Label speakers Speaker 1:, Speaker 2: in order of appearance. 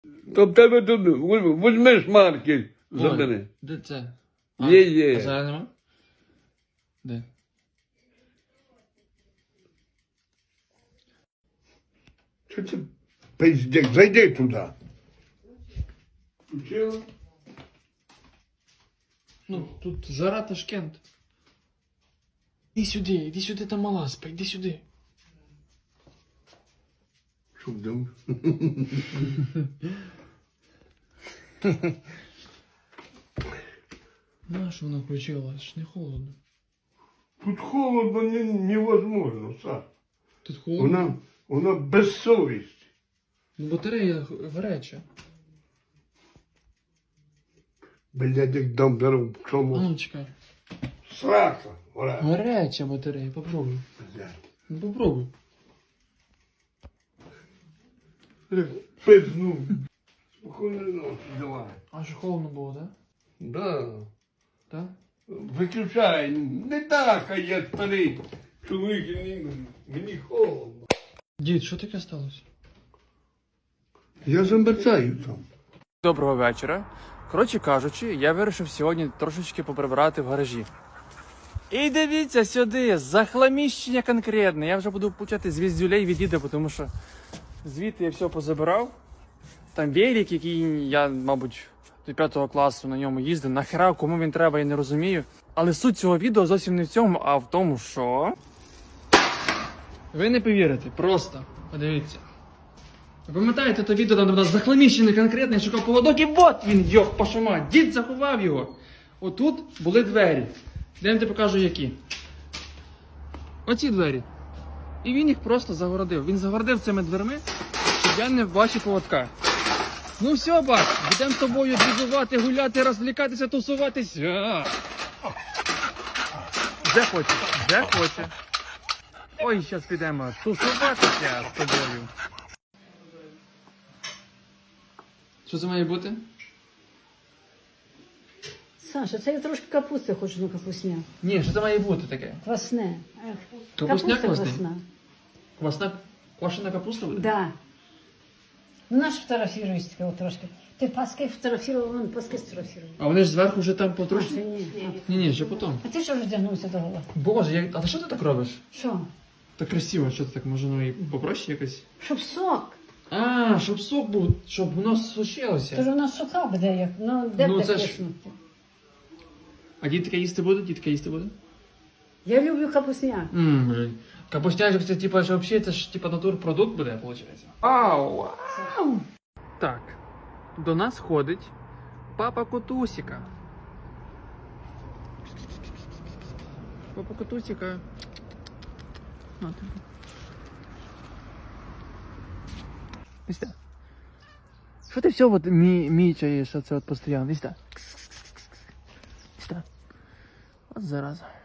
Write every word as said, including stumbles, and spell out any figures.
Speaker 1: То в тебе тут візьми шмарки,
Speaker 2: Ой,
Speaker 1: забери.
Speaker 2: де це?
Speaker 1: Є, є.
Speaker 2: А зараз нема? Де?
Speaker 1: Що це пиздец? Зайди туди. Включила?
Speaker 2: Ну, тут жара Ташкент. Іди сюди, іди сюди, там мала спа, іди сюди.
Speaker 1: Що вдома?
Speaker 2: Нащо вона включила? Аж не холодно.
Speaker 1: Тут холодно не, невозможно, Саш.
Speaker 2: Тут холодно?
Speaker 1: Вона, вона без совісті.
Speaker 2: Ну, батарея гаряча.
Speaker 1: Блядь, як дам дару в
Speaker 2: А
Speaker 1: чому.
Speaker 2: ну, чекай.
Speaker 1: Срака, вона.
Speaker 2: Гаряча батарея, попробуй.
Speaker 1: Блядь.
Speaker 2: Ну, попробуй.
Speaker 1: Пизну. Спокійної ночі, давай.
Speaker 2: А що холодно було, так?
Speaker 1: Да.
Speaker 2: Так?
Speaker 1: Виключай. Не так, а я старий чоловік, і мені, мені холодно.
Speaker 2: Дід, що таке сталося?
Speaker 1: Я замерзаю там.
Speaker 2: Доброго вечора. Коротше кажучи, я вирішив сьогодні трошечки поприбирати в гаражі. І дивіться сюди, захламіщення конкретне. Я вже буду получати звіздюлей від діда, тому що звідти я все позабирав. Там велик, який я, мабуть, до п'ятого класу на ньому їздив. Нахера, кому він треба, я не розумію. Але суть цього відео зовсім не в цьому, а в тому, що... Ви не повірите, просто подивіться. Ви пам'ятаєте те відео, там у нас захламіщений конкретний, шукав поводок, і от він, йох, пошума, дід заховав його. Отут були двері. Йдемте покажу які. Оці двері. І він їх просто загородив. Він загородив цими дверми, щоб я не бачив поводка. Ну все, бач, будемо з тобою дізувати, гуляти, розвлікатися, тусуватися. Де хоче, де хоче. Ой, зараз підемо тусуватися з тобою. Що це має бути?
Speaker 3: Саша, це я трошки капусти хочу, ну капусня.
Speaker 2: Ні, що це має бути таке?
Speaker 3: Квасне. Ех,
Speaker 2: Капусняк
Speaker 3: капуста
Speaker 2: квасний?
Speaker 3: квасна.
Speaker 2: Квасна, квашена капуста буде?
Speaker 3: Да. Ну, наш фотографируюсь таке от трошки. Ти паски фотографував, вон паски сфотографував.
Speaker 2: А вони ж зверху вже там
Speaker 3: А,
Speaker 2: потрушні?
Speaker 3: це ні.
Speaker 2: Ні, ні, ще потім.
Speaker 3: А ти що роздягнувся до гола?
Speaker 2: Боже, я... а ти що ти так робиш?
Speaker 3: Що?
Speaker 2: Так красиво, що ти так, може, ну і попроще якось?
Speaker 3: Щоб сок.
Speaker 2: А, щоб сок був, щоб воно
Speaker 3: Тож
Speaker 2: сушилося.
Speaker 3: у нас сока буде як, ну де
Speaker 2: Ну,
Speaker 3: буде
Speaker 2: це ж-
Speaker 3: киснути?
Speaker 2: А дітка їсти буде? Дітка їсти буде?
Speaker 3: Я люблю капусня.
Speaker 2: Ммм, блін. Капустяк, це типа, що взагалі це ж типа натурпродукт буде, виходить? Ау, ау. Так, до нас ходить папа Котусіка. Папа Котусіка. На тобі. Ось так. Що ти все от мі мічаєш, оце от постійно? Ось так. Ось так. От зараза.